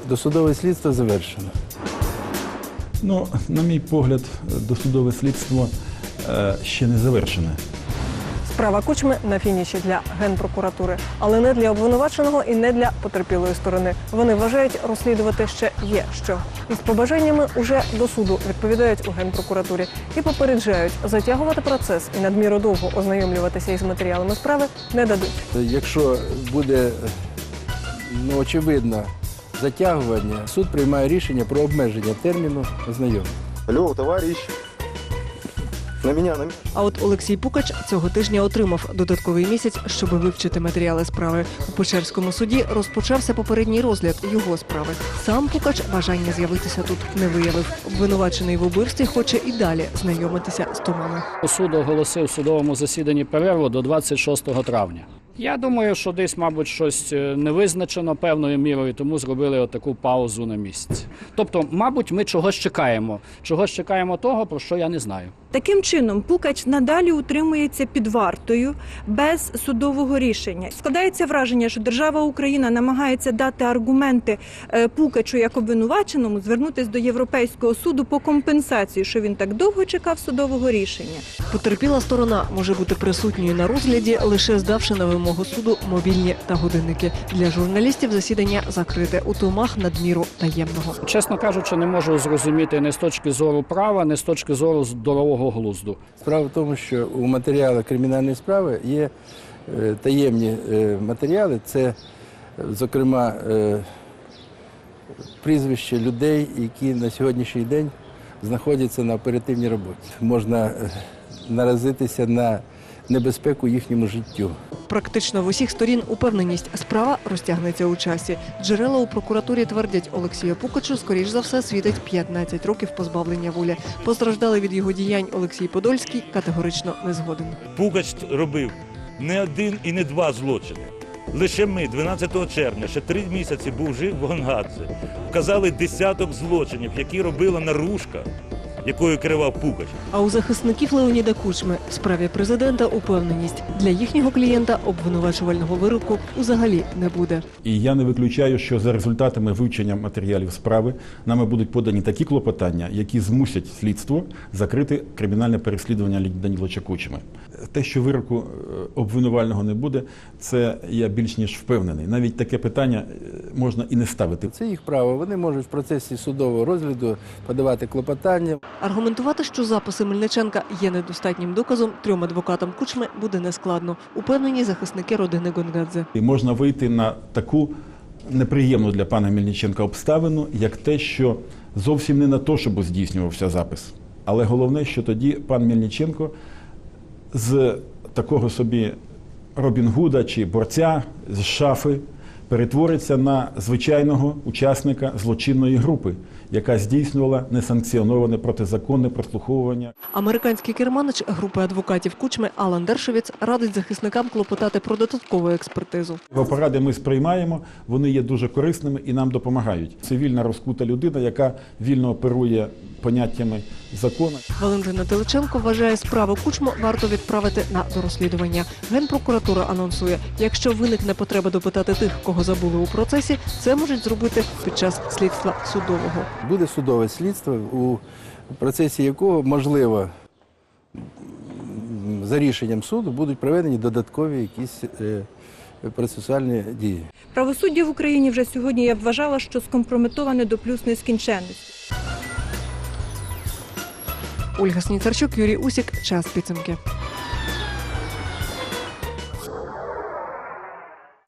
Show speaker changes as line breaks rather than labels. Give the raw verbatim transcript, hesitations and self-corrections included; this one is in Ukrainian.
Досудове слідство завершено.
Ну, на мій погляд, досудове слідство е, ще не завершене.
Справа Кучми на фініші для Генпрокуратури, але не для обвинуваченого і не для потерпілої сторони. Вони вважають, розслідувати ще є що. Із побажаннями уже до суду відповідають у Генпрокуратурі і попереджають, затягувати процес і надміру довго ознайомлюватися із матеріалами справи не дадуть.
Якщо буде, ну, очевидно, затягування, суд приймає рішення про обмеження терміну ознайомлення.
Алло, товарищ. На мене, на мене.
А от Олексій Пукач цього тижня отримав додатковий місяць, щоб вивчити матеріали справи. У Печерському суді розпочався попередній розгляд його справи. Сам Пукач бажання з'явитися тут не виявив. Обвинувачений в убивстві хоче і далі знайомитися з томами.
Суд оголосив в судовому засіданні перерву до двадцять шостого травня. Я думаю, що десь, мабуть, щось не визначено певною мірою, тому зробили отаку паузу на місяць. Тобто, мабуть, ми чогось чекаємо. Чогось чекаємо того, про що я не знаю.
Таким чином, Пукач надалі утримується під вартою без судового рішення. Складається враження, що держава Україна намагається дати аргументи Пукачу як обвинуваченому звернутися до Європейського суду по компенсацію, що він так довго чекав судового рішення.
Потерпіла сторона може бути присутньою на розгляді, лише здавши на вимогу суду мобільні та годинники. Для журналістів засідання закрите у томах надміру таємного.
Чесно кажучи, не можу зрозуміти не з точки зору права, не з точки зору здорового глузду.
Справа в тому, що у матеріалах кримінальної справи є е, таємні е, матеріали. Це, зокрема, е, прізвища людей, які на сьогоднішній день знаходяться на оперативній роботі. Можна е, наразитися на небезпеку їхньому життю.
Практично в усіх сторін упевненість, справа розтягнеться у часі. Джерела у прокуратурі твердять, Олексію Пукачу, скоріш за все, світить п'ятнадцять років позбавлення волі. Постраждалий від його діянь Олексій Подольський категорично не згоден.
Пукач робив не один і не два злочини. Лише ми дванадцятого червня, ще три місяці був жив в Гонгадзе, вказали десяток злочинів, які робила наружка, якою керував Пукач.
А у захисників Леоніда Кучми в справі президента упевненість. Для їхнього клієнта обвинувачувального вироку взагалі не буде.
І я не виключаю, що за результатами вивчення матеріалів справи нами будуть подані такі клопотання, які змусять слідство закрити кримінальне переслідування Даніловича Кучми. Те, що вироку обвинувального не буде, це я більш ніж впевнений. Навіть таке питання можна і не ставити.
Це їх право. Вони можуть в процесі судового розгляду подавати клопотання.
Аргументувати, що записи Мельниченка є недостатнім доказом, трьом адвокатам Кучми буде нескладно. Упевнені захисники родини Гонгадзе.
І можна вийти на таку неприємну для пана Мельниченка обставину, як те, що зовсім не на то, щоб здійснювався запис. Але головне, що тоді пан Мельниченко з такого собі Робін Гуда чи борця з шафи перетвориться на звичайного учасника злочинної групи, яка здійснювала несанкціоноване протизаконне прослуховування.
Американський керманич групи адвокатів Кучми Алан Дершовіц радить захисникам клопотати про додаткову експертизу.
Поради ми сприймаємо, вони є дуже корисними і нам допомагають. Цивільна розкута людина, яка вільно оперує поняттями закону.
Валентина Теличенко вважає, справу Кучму варто відправити на дорозслідування. Генпрокуратура анонсує, якщо виникне потреба допитати тих, кого забули у процесі, це можуть зробити під час слідства судового.
Буде судове слідство, у процесі якого, можливо, за рішенням суду будуть проведені додаткові якісь е, процесуальні дії.
Правосуддя в Україні вже сьогодні, я б вважала, що скомпрометоване до плюс нескінченності.
Ольга Сніцарчук, Юрій Усік. Час підсумки.